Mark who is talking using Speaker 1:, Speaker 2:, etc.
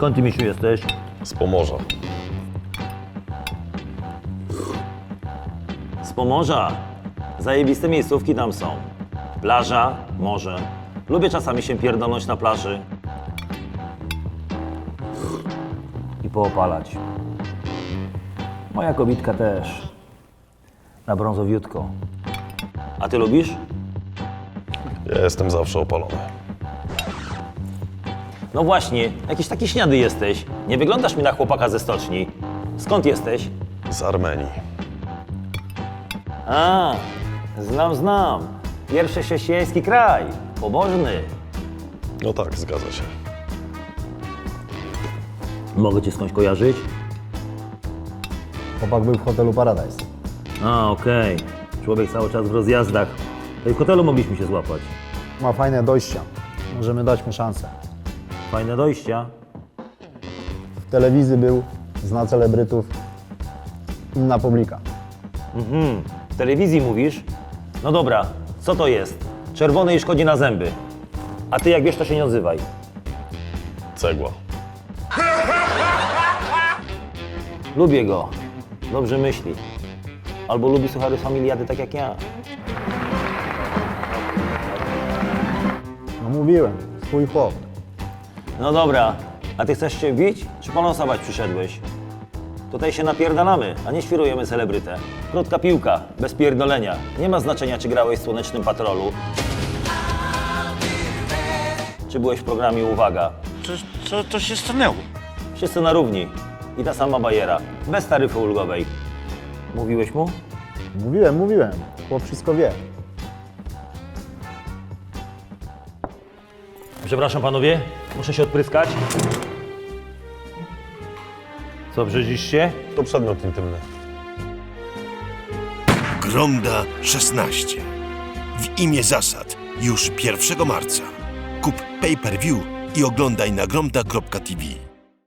Speaker 1: Skąd ty, misiu, jesteś?
Speaker 2: Z Pomorza.
Speaker 1: Z Pomorza. Zajebiste miejscówki tam są. Plaża, morze. Lubię czasami się pierdolnąć na plaży. I poopalać. Moja kobitka też. Na brązowiutko. A ty lubisz?
Speaker 2: Ja jestem zawsze opalony.
Speaker 1: No właśnie, jakiś taki śniady jesteś. Nie wyglądasz mi na chłopaka ze stoczni. Skąd jesteś?
Speaker 2: Z Armenii.
Speaker 1: A, znam. Pierwszy chrześcijański kraj. Pobożny.
Speaker 2: No tak, zgadza się.
Speaker 1: Mogę cię skądś kojarzyć?
Speaker 3: Chłopak był w hotelu Paradise.
Speaker 1: A, okej. Człowiek cały czas w rozjazdach. To i w hotelu mogliśmy się złapać.
Speaker 3: Ma fajne dojścia. Możemy dać mu szansę.
Speaker 1: Fajne dojścia.
Speaker 3: W telewizji był, zna celebrytów, inna publika.
Speaker 1: W telewizji mówisz? No dobra, co to jest? Czerwone i szkodzi na zęby. A ty jak wiesz, to się nie odzywaj.
Speaker 2: Cegła.
Speaker 1: Lubię go. Dobrze myśli. Albo lubi suchary familiady tak jak ja.
Speaker 3: No mówiłem, swój chłop.
Speaker 1: No dobra, a ty chcesz się bić, czy poląsować przyszedłeś? Tutaj się napierdalamy, a nie świrujemy celebrytę. Krótka piłka, bez pierdolenia. Nie ma znaczenia, czy grałeś w Słonecznym Patrolu, czy byłeś w programie Uwaga.
Speaker 4: Co to się stanęło?
Speaker 1: Wszyscy na równi. I ta sama bajera, bez taryfy ulgowej. Mówiłeś mu?
Speaker 3: Mówiłem. Chłop wszystko wie.
Speaker 1: Przepraszam panowie, muszę się odpryskać. Co, brzydzisz się?
Speaker 2: To przedmiot intymny.
Speaker 5: Gromda 16. W imię zasad. Już 1 marca. Kup pay-per-view i oglądaj na gromda.tv.